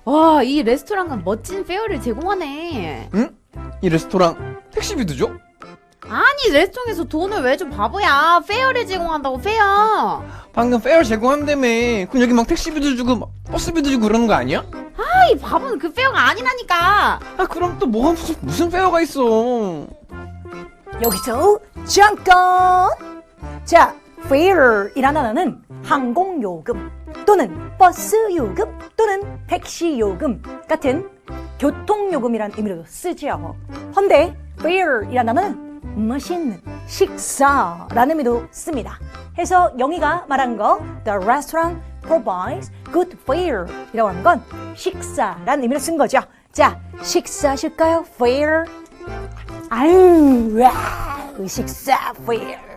와, 이 레스토랑은 멋진 페어를 제공하네. 응? 이 레스토랑 택시비도 줘? 아니, 레스토랑에서 돈을 왜 줘, 바보야. 페어를 제공한다고, 페어. 방금 페어 제공한다며. 그럼 여기 막 택시비도 주고 막 버스비도 주고 그러는 거 아니야? 이 바보는 그 페어가 아니라니까. 아 그럼 또 뭐가 무슨 페어가 있어. 여기서 잠깐! 자, fare이라는 단어는 항공요금 또는 버스요금 또는 택시요금 같은 교통요금이라는 의미로도 쓰지요. 헌데 fare이라는 단어는 맛있는 식사라는 의미도 씁니다. 해서 영희가 말한 거 The restaurant provides good fare 이라고 하는 건 식사라는 의미로 쓴 거죠. 자, 식사하실까요? fare 아유, 와, 식사 fare